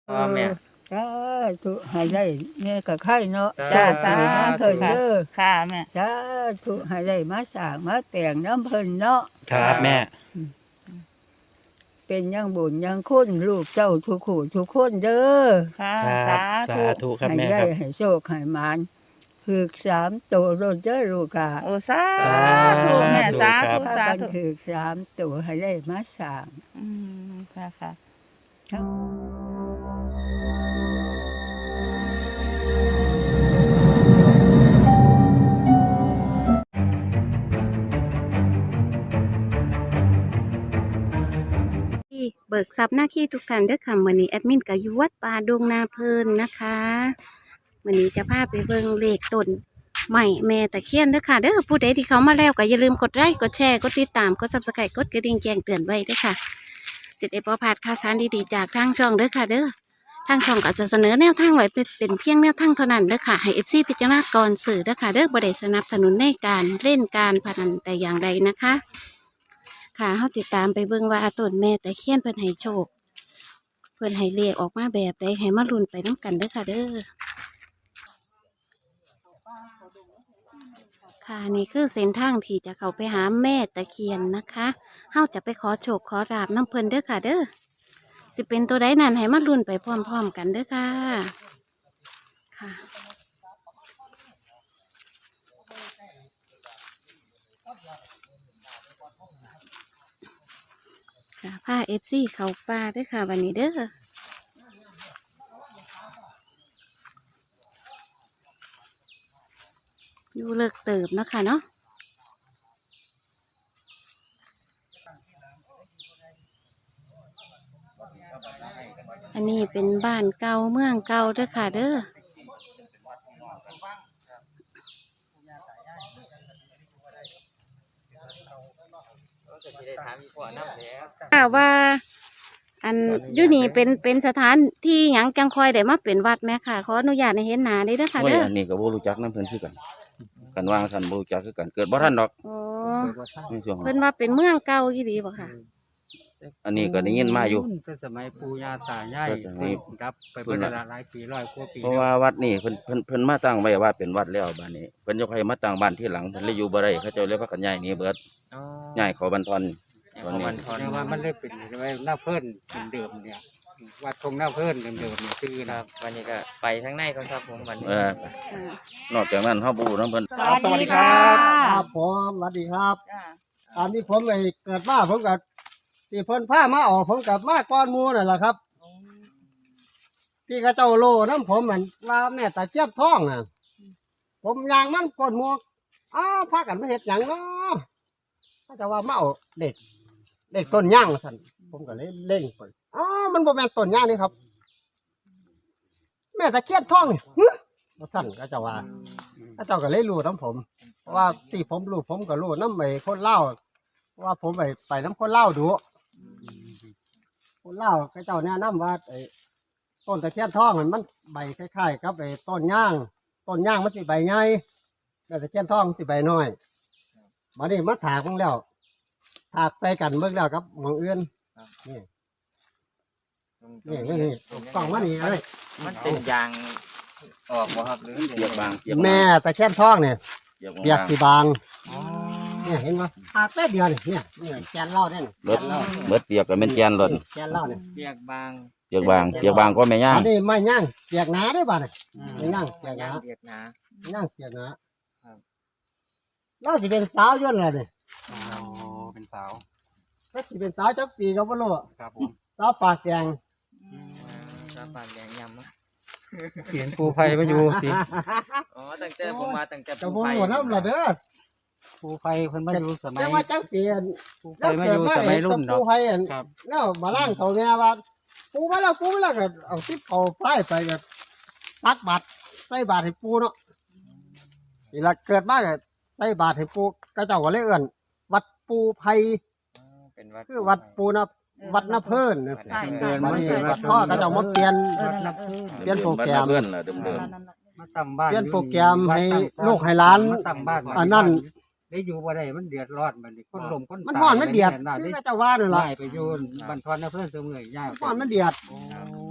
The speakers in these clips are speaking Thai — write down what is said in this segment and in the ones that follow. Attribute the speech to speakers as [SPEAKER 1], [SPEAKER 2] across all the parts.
[SPEAKER 1] แม่
[SPEAKER 2] สาธุให้ได้แม่ก็ไข่เนาะ
[SPEAKER 1] จ้า
[SPEAKER 2] สาธุเด้อ
[SPEAKER 3] ค่ะแม่
[SPEAKER 2] สาธุให้ได้มาสร้างมาแต่งน้ำเพิ่นเนาะ
[SPEAKER 4] ครับแม่
[SPEAKER 2] เป็นยังบุญยังคุณลูกเจ้าทุกคู่ทุกคนเด้อ
[SPEAKER 3] ค่ะ
[SPEAKER 4] ครับ
[SPEAKER 3] สาธุ
[SPEAKER 4] สาธุครับ
[SPEAKER 2] ให้
[SPEAKER 4] แม่
[SPEAKER 2] ได้
[SPEAKER 4] ครับ
[SPEAKER 2] ให้โชคให้หมานฝึก3ตัวรถเด้อลูกอ่ะ
[SPEAKER 3] โอ้สาธุแม่สา
[SPEAKER 4] ครั
[SPEAKER 3] ธุ
[SPEAKER 4] บ
[SPEAKER 3] สา
[SPEAKER 2] กัน
[SPEAKER 3] ธุ
[SPEAKER 2] ฝึก3ตัวให้ได้มาสร้าง
[SPEAKER 3] ค่ะค่ะ
[SPEAKER 5] ที่เบิกทรัพย์หน้าที่ทุกท่านเด้อค่ะมื้อนี้แอดมินก็อยู่วัดป่าดงนาเพลินนะคะมื้อนี้จะพาไปเบิ่งเลขต้นใหม่แม่ตะเคียนเด้อค่ะเด้อผู้ใดที่เขามาแล้วก็อย่าลืมกดไลค์กดแชร์กดติดตามกด Subscribe กดกระดิ่งแจ้งเตือนไว้เด้อค่ะสิได้บ่พลาดข่าวสารดีๆจากทางช่องเด้อค่ะเด้อทางช่องก็จะเสนอแนวทางไว้เป็นเพียงแนวทางเท่านั้นเด้อค่ะให้ FC พิจารณาก่อนซื้อเด้อค่ะเด้อบ่ได้สนับสนุนในการเล่นการพนันแต่อย่างใดนะคะ ค่ะเฮาติดตามไปเบิ่งว่าต้นแม่ตะเคียนเพิ่นให้โชคเพิ่นให้เลขออกมาแบบใดให้มาลุ้นไปนํกันเด้อค่ะเด้อค่ะนี่คือเส้นทางที่จะเข้าไปหาแม่ตะเคียนนะคะเฮาจะไปขอโชคขอลาบน้ำเพิ่นเด้อค่ะเด้อสิเป็นตัวใดนั้นให้มาลุ้นไปพร้อมๆกันเด้อค่ะค่ะค่ะพา FC เข้าป่าเด้อค่ะวันนี้เด้ออยู่เลิกเติบเนาะค่ะเนาะอันนี้เป็นบ้านเก่าเมืองเก่าเด้อค่ะเด้อค่ะว่าอันอยู่นี่เป็นสถานที่หยังจังคอยได้มาเป็นวัดไหมค่ะขออนุญาตในเห็นหน้าได้เด้อค่ะ
[SPEAKER 1] โอ้ย
[SPEAKER 5] เด้อ
[SPEAKER 1] อันนี้ก็บ่รู้จักนำเพิ่นคือกันกันว่าท่านบ่รู้จักคือกันเกิดบ่ทันดอก
[SPEAKER 5] โอ้
[SPEAKER 1] ในช่วง
[SPEAKER 5] เพิ่นว่าเป็นเมืองเก่าอีหลีบ่ค่ะ
[SPEAKER 1] อันนี้ก็ได้ยินมาอยู่
[SPEAKER 6] ก็สมัยปู่ย่าตายาย
[SPEAKER 1] ก็สมัย
[SPEAKER 6] ครับไปเพิ่นหลายปี100กว่าปี
[SPEAKER 1] เพราะว่าวัดนี่เพิ่นมาตั้งไว้ว่าเป็นวัดแล้วบัดนี้เพิ่นยกให้มาตั้งบ้านที่หลังเพิ่นเลยอยู่บ่ได้เขาเจ้าเลยพากันย้ายหนีเบิดย้ายเข้าบันทอนตอนนี้
[SPEAKER 6] แต่ว่ามันได้เป็นไว้หน้าเพิ่นเดิมๆเนี่ยวัดทงหน้าเพิ่นเดิมๆเนี่ยชื่อนะ
[SPEAKER 7] วันนี้ก็ไปทางในก่อนครับผมวันนี้
[SPEAKER 1] นอกจากนั้นเฮาบ่รู้นำเพิ่น
[SPEAKER 4] สวัสดีครับ
[SPEAKER 8] ครับผมสวัสดีครับ
[SPEAKER 3] จ้า
[SPEAKER 8] อันนี้ผมไอ้เกิดมาผมกับที่เพิ่นพามาออกผมกับมาก้อนหมูนั่นแหละครับพี่กระเจ้าโลน้ำผมเหมือนว่าแม่ตาเจี๊ยบท้องอ่ะผมยางมันก้อนหมูอ้าวพากันไม่เห็ดหยังเนาะเขาจะว่ามาเอาเด็กต้นย่างสั่นผมก็เลยเล่งไปอ้าวมันบ่แม่นต้นย่างนี่ครับ แม่ตะเกียบท้องนี่ฮึบ่สั่นก็จะว่าเขาเจ้าก็เลยรู้น้ำผมเพราะว่าที่ผมรู้ผมก็รู้น้ำไอ้คนเล่าวว่าผมไปน้ำคนเล่าวดูคนเล่าวเขาเจ้าแนะนำว่าไอ้ต้นตะเคียนทองมันใบคล้ายๆกับไอ้ต้นย่างมันสิใบใหญ่แต่ตะเคียนทองสิใบน้อยมานี่มาถากมันแล้วถากใส่กันเบิ่งแล้วครับหมองอื่นนี่กล่องมานี่เลย
[SPEAKER 7] มันเป็นยางออกบ่ครับหรือ
[SPEAKER 1] เปียกบาง
[SPEAKER 8] แม่ตะเคียนทองเนี่ย
[SPEAKER 1] เปียก
[SPEAKER 8] เปียก
[SPEAKER 1] บาง
[SPEAKER 8] สีบางเนี่ยเห็นไหมถากแป๊บเดียวเนี่ยแกนเหล่าเนี่ย
[SPEAKER 1] รถเบิดเปียกก็แม่นแกนรถ
[SPEAKER 8] แกนเหล่าเนี่ย
[SPEAKER 7] เปียกบาง
[SPEAKER 1] เปียกบางก็แม่ย่าง
[SPEAKER 8] อันนี้ไม่ย่างเปียกหนาได้ป่ะเนี่ยไม่ย่างเปียกห
[SPEAKER 7] ยา
[SPEAKER 8] นา
[SPEAKER 7] งเปียกหนา
[SPEAKER 8] ย่างเปียกหนาเราจะเป็นสาวย่นอะไรเนี่ย
[SPEAKER 6] อ๋อเป็นสาว
[SPEAKER 8] ถ้าจะเป็นสาวจักปีก็ไม่รู้
[SPEAKER 6] ครับผม
[SPEAKER 8] สาวปากแดง
[SPEAKER 7] ตาปานแดงยำมั้ง
[SPEAKER 6] เขียนปูไผ่มาอยู่สิ
[SPEAKER 7] อ๋อตั้งแต่ผมมาตั้งแต่
[SPEAKER 8] จะพูดหัวน้ำละเด้อ
[SPEAKER 6] ปูไผ่เพิ่นมาอยู่สมัย
[SPEAKER 8] แต่ว่าจักปี
[SPEAKER 6] ปูไผ่มาอยู่สมัยรุ่น
[SPEAKER 8] ปู
[SPEAKER 6] เนาะ
[SPEAKER 8] ไผ่
[SPEAKER 6] ครับ
[SPEAKER 8] แล้วมาล่างเขาเนี่ยว่าปูมาแล้วก็เอาทิพเขาป้ายไปแบบตักบาทใส่บาทให้ปูเนาะนี่ละเกิดมาก็ใส่บาทให้ปูก็เจ้าก็เลยเอื้อนวัดปูไผ่
[SPEAKER 7] เป็นวัด
[SPEAKER 8] คือวัดปูนะวัดน้าเพิ่นเนี่ย
[SPEAKER 3] ใช่
[SPEAKER 6] เดิน
[SPEAKER 8] วั
[SPEAKER 6] มา
[SPEAKER 8] ด
[SPEAKER 6] นี่
[SPEAKER 8] นี้
[SPEAKER 6] วั
[SPEAKER 8] วั
[SPEAKER 6] ด
[SPEAKER 8] ดพ่อก็เจ้ามาเปลี่ยน เปลี่ยนโปรแกรม
[SPEAKER 1] เพื่อนล่ะเดิม
[SPEAKER 6] มาตั้งบ้าน
[SPEAKER 8] เปลี่ยนโปรแกรมให้ลูกให้หลาน
[SPEAKER 6] มาตั้งบ้าน
[SPEAKER 8] อันนั้น
[SPEAKER 6] ได้อยู่บ่ได้มันเดือดร้อนบัดนี้คนลมคน
[SPEAKER 8] มันฮ้อนมันเดือด
[SPEAKER 6] ได้
[SPEAKER 8] คือก็เจ้าว่านั่นล่ะ
[SPEAKER 6] ย้ายไปอยู่บ้านทอนนะเพิ่นเสมอย้าย
[SPEAKER 8] ฮ้อนมันเดือด
[SPEAKER 6] โอ้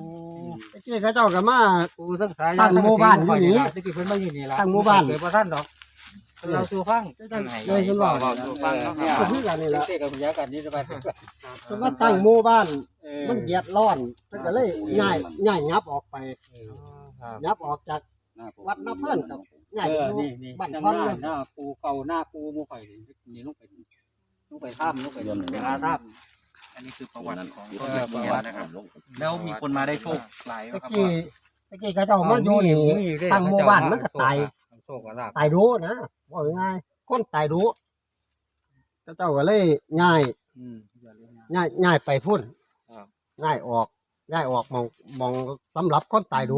[SPEAKER 8] ตะกี้เขาเจ้าก็มา
[SPEAKER 6] ปูทั้งสาย
[SPEAKER 8] ตั้งหมู่บ้านอยู่นี่
[SPEAKER 6] ตะกี้เพิ่นมาอยู่นี่ล่ะ
[SPEAKER 8] ตั้งหมู่บ้าน
[SPEAKER 6] เกิดบ่ทันดอกเราสู่ฟัง
[SPEAKER 8] เลยฉันบอก
[SPEAKER 7] บอกสู่ฟังเนาะ
[SPEAKER 8] ก็คือกันนี่แหละ
[SPEAKER 6] เตะกับพยากันนี่สบาย
[SPEAKER 8] ฉันว่าตั้งหมู่บ้านมันเดือดร้อนมันก็เลยย้ายยับออกไป
[SPEAKER 6] ครับ
[SPEAKER 8] ยับออกจากวัดน้ำเพิ่นกับย้ายไปอยู่
[SPEAKER 6] นี่
[SPEAKER 8] บ้าน
[SPEAKER 6] ทาง
[SPEAKER 8] พอน
[SPEAKER 6] ห
[SPEAKER 8] เล
[SPEAKER 6] น้าย หน้าปูเก่าหน้าปูหมู่ข่อยนี่ลงไปถ้ำลงไปเวลาถ้ำ
[SPEAKER 4] อันนี้คือประวัติของ
[SPEAKER 6] เอ
[SPEAKER 4] ต้น
[SPEAKER 6] อ
[SPEAKER 4] ตะเคียนนะครับ แล้วมีคนมาได้โชคหลายไหม
[SPEAKER 8] ตะ
[SPEAKER 4] ครับ
[SPEAKER 8] กี้ตะกี้เขาเจ้ามาอยู่นี่ตั้งหมู่บ้านมันก็ตาย
[SPEAKER 6] โชคกับลาบ
[SPEAKER 8] ตายดูนะว่าง่ายๆคนตายดูเขาเจ้าก็เลยย้ายไปพุ่นย้ายออกมองสำหรับคนตายดู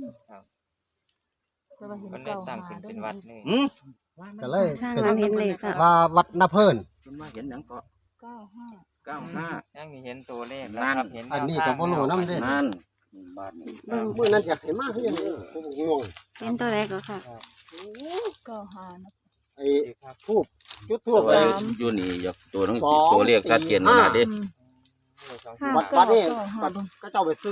[SPEAKER 7] มันได้สร้างขึ้นเป็นวัดนี่
[SPEAKER 8] ก็เลย
[SPEAKER 5] ทาง
[SPEAKER 8] เป็น
[SPEAKER 5] นั้นเห็นเลยค่ะ
[SPEAKER 8] ว่าวัดนาเพิ่น
[SPEAKER 1] เพิ่นมาเห็นหยังก็
[SPEAKER 3] 95
[SPEAKER 1] 95
[SPEAKER 7] ยังมีเห็นตัวเลข
[SPEAKER 1] นั่น
[SPEAKER 7] ครับเห็น
[SPEAKER 8] อันนี้ก็บ่รู้นำเด้
[SPEAKER 1] นั่นบ้านนี้
[SPEAKER 5] เบิ่ง
[SPEAKER 8] มื้อนั้นอยากให้มาคือหยังผมงง
[SPEAKER 5] เป็นตัวแรกก็ค่ะ
[SPEAKER 3] 95นะ
[SPEAKER 8] ไอ้ทูบจุดทู
[SPEAKER 1] ตัว
[SPEAKER 8] บ
[SPEAKER 1] ไว้
[SPEAKER 8] ไว้
[SPEAKER 1] อยู่นี่อยากตัวหนึง
[SPEAKER 8] สอง
[SPEAKER 1] ตัวเลขชัดเจนขนาดเด้
[SPEAKER 8] วัดนี้ก็เจ้าไปซื้อ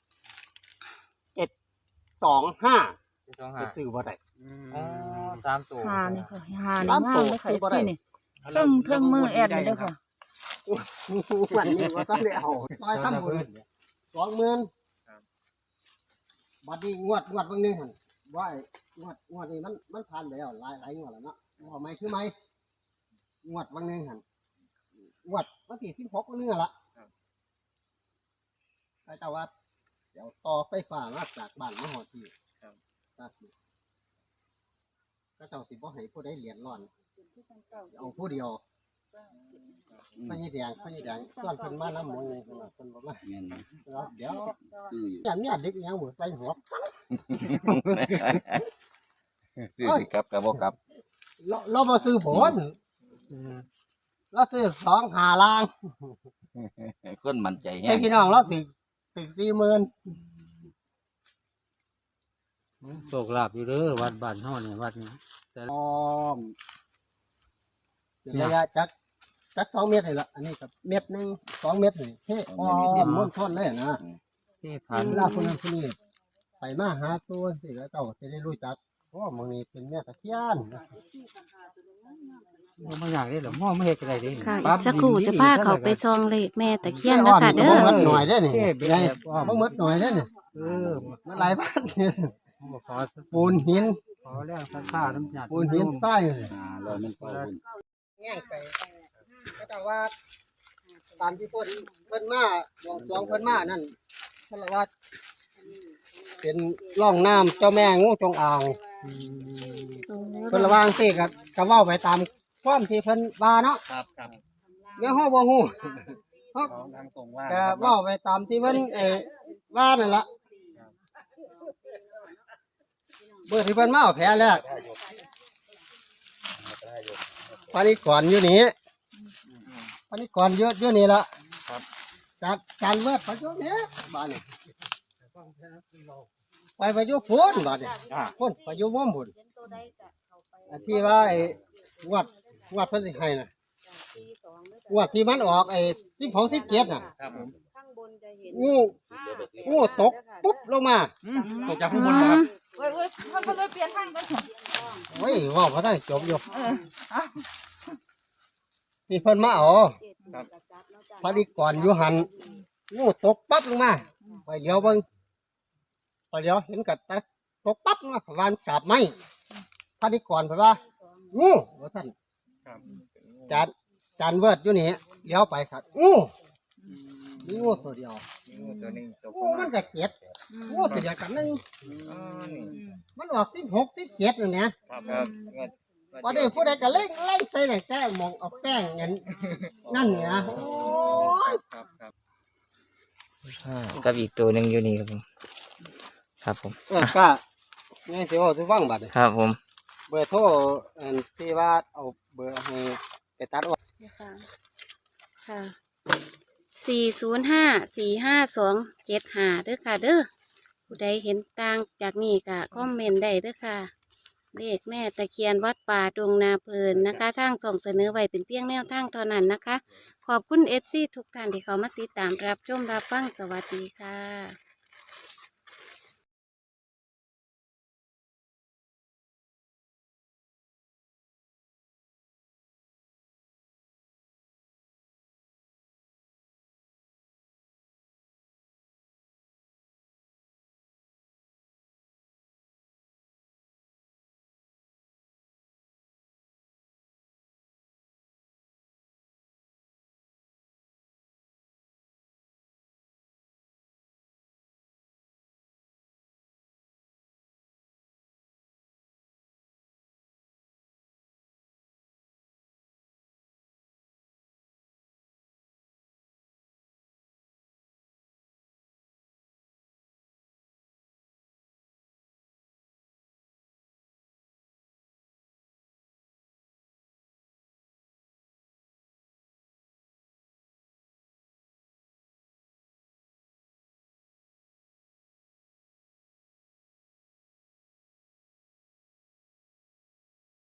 [SPEAKER 8] 725ไปซื้อบ่ได้
[SPEAKER 6] อ๋อตามตัว
[SPEAKER 3] หานี่ค่ะหานี่
[SPEAKER 8] ตาม
[SPEAKER 3] งา
[SPEAKER 8] ตั
[SPEAKER 3] ม
[SPEAKER 8] ว
[SPEAKER 3] เลยค่ะ
[SPEAKER 8] คือบ่ได้
[SPEAKER 3] ที่นี่เครื่องมือแอดนี่เด้อค่ะ
[SPEAKER 8] วันนี้ว่าต้องได้เอาซอยทำบุญ 20,000บัดนี้งวดเบิ่งนึงหั่นว่าไอ้งวดนี้มันผ่านไปแล้วหลายงวดแล้วเนาะเอาไหมคือไหมงวดเบิ่งนึงหั่นงวดวันที่16มื้อนึงล่ะแต่ว่าเดี๋ยวต่อไฟฟ้ามาจากบ้านมาฮอดที่ครับก็เจ้าสิบ่ให้ผู้ใดเหรียญร้อนเอาผู้เดียวพญแดงส่วนเพิ่นมานำหมู่นี่เพิ่นบ่มา
[SPEAKER 1] แม่น
[SPEAKER 8] เดี๋ยว
[SPEAKER 1] ซื้ออยู่
[SPEAKER 8] อย่างเนี้ยเด็กยังบ่ใส่หัว
[SPEAKER 1] ซื้อสิครับก็บ่กลับ
[SPEAKER 8] เราบ่ซื้อผลเราซื้อ2-5ล้าน
[SPEAKER 1] คนมั่นใจแฮ
[SPEAKER 8] ให้
[SPEAKER 1] ง
[SPEAKER 8] พี่น้องเราถึง40,000
[SPEAKER 6] โชคลาภอยู่เด้อวัดบ้านเฮานี่วัดนี้
[SPEAKER 8] อ้อมระยะจัก2เมตรนี่ล่ะอันนี้ก็เม็ดนึง2เมตรนี่เฮ้อ้อมม่วนทนเลยนะ
[SPEAKER 6] ที่ฐาน
[SPEAKER 8] เวลาคนนั้นคนนี้ไปมาหาตัวสิแล้วเจ้าจะได้รู้จักเพราะว่ามึงนี่เป็นแม่ตะเคียน
[SPEAKER 6] บ่อยากได้หรอหม้อไม่เฮ็ดก็ได้เด้
[SPEAKER 5] ค่ะอีกสักครู่จะพาเขาไปซองเลขแม่ตะเคียนนะค่ะเด้อ
[SPEAKER 8] บ่หมดหน่อยเด้อนี่
[SPEAKER 6] เท่เป็น
[SPEAKER 8] ใหญ่
[SPEAKER 6] แบบว่า
[SPEAKER 8] บ่หมดหน่อยเด้อนี่
[SPEAKER 6] เออ
[SPEAKER 8] มันหลายพันนี่
[SPEAKER 6] บ่ขอ
[SPEAKER 8] ปูนหิน
[SPEAKER 6] ขอแรงศรัทธาน้ำญาติ
[SPEAKER 8] ปูนหินใต้นี่
[SPEAKER 1] ร้อยมันเข้าบุญ
[SPEAKER 8] แง่งไปก็แต่ว่าตามที่เพิ่นมาบวงสรวงเพิ่นมานั่นเพิ่นว่าเป็นร่องน้ำเจ้าแม่งูจงอางเพิ่นระวางสิก็เว้าไปตามความที่เพิ่นว่าเนาะ
[SPEAKER 4] ครับ
[SPEAKER 8] เดี๋ยวเฮาบ่ฮู้เฮา
[SPEAKER 4] ของทางตรงว่า
[SPEAKER 8] ก็เว้าไปตามที่เพิ่นว่านั่นล่ะเมื่อที่เพิ่นมาเอาแผลแรกปานิก่อนอยู่นี่ปานิก่อนอยู่นี่ล่ะจากการเวิร์ดไปอยู่นี่บ้านนี่ไปอยู่พุ่นบ้านนี่พุ่นไปอยู่ม่อมพุ่นอันที่ว่าไอ้งวดเพิ่นสิให้น่ะงวดที่มันออกไอ้12-17น่ะ
[SPEAKER 4] ครับผม
[SPEAKER 8] งูตกปุ๊บลงมา
[SPEAKER 4] ตกจากข้างบนเหรอครับ
[SPEAKER 3] เว้ยมันก็เลยเปลี่ยนทางกัน
[SPEAKER 8] เฮ้ยว่าบ่ทันจบอยู่ที่เพิ่นมาเอาพอดีก่อนอยู่หันงูตกปั๊บลงมาไปเลี้ยวเบิ่งไปเลี้ยวเห็นกัดตกปั๊บลงมาประมาณกาบไม้พอดีก่อนเพิ่นว่างูว่าท่านจานเวิร์ดอยู่นี่เลี้ยวไปครับงูมีงูตัวเดียว
[SPEAKER 7] ตัวหนึงตัว
[SPEAKER 8] งูมันก็เก็ดงูตัวเดียวกันนึง
[SPEAKER 7] อ๋อนี่
[SPEAKER 8] มันออก16-17นั่นแหละ
[SPEAKER 7] ครับเงิน
[SPEAKER 8] พอดีผู้ใดก็เล่งใส่แต้มองเอาแป้งเงินนั่นเนี่ย
[SPEAKER 4] ครับครับ
[SPEAKER 7] กับอีกตัวหนึงอยู่นี่ครับผมครับผม
[SPEAKER 8] ก็ง่ายสิว่าสิฟังบัดนี้
[SPEAKER 7] ครับผม
[SPEAKER 8] เบอร์โทรอันที่ว่าเอาเบอร์ให้ไปตัดออก
[SPEAKER 5] ค่ะ405-452-75เด้อค่ะเด้อผู้ใดเห็นต่างจากนี้ก็คอมเมนต์ได้เด้อค่ะเลขแม่ตะเคียนวัดป่าดงนาเพลินนะคะทางส่งเสนอไว้เป็นเพียงแนวทางเท่านั้นนะคะ ขอบคุณเอฟซีทุกท่านที่เขามาติดตามรับชมรับฟังสวัสดีค่ะ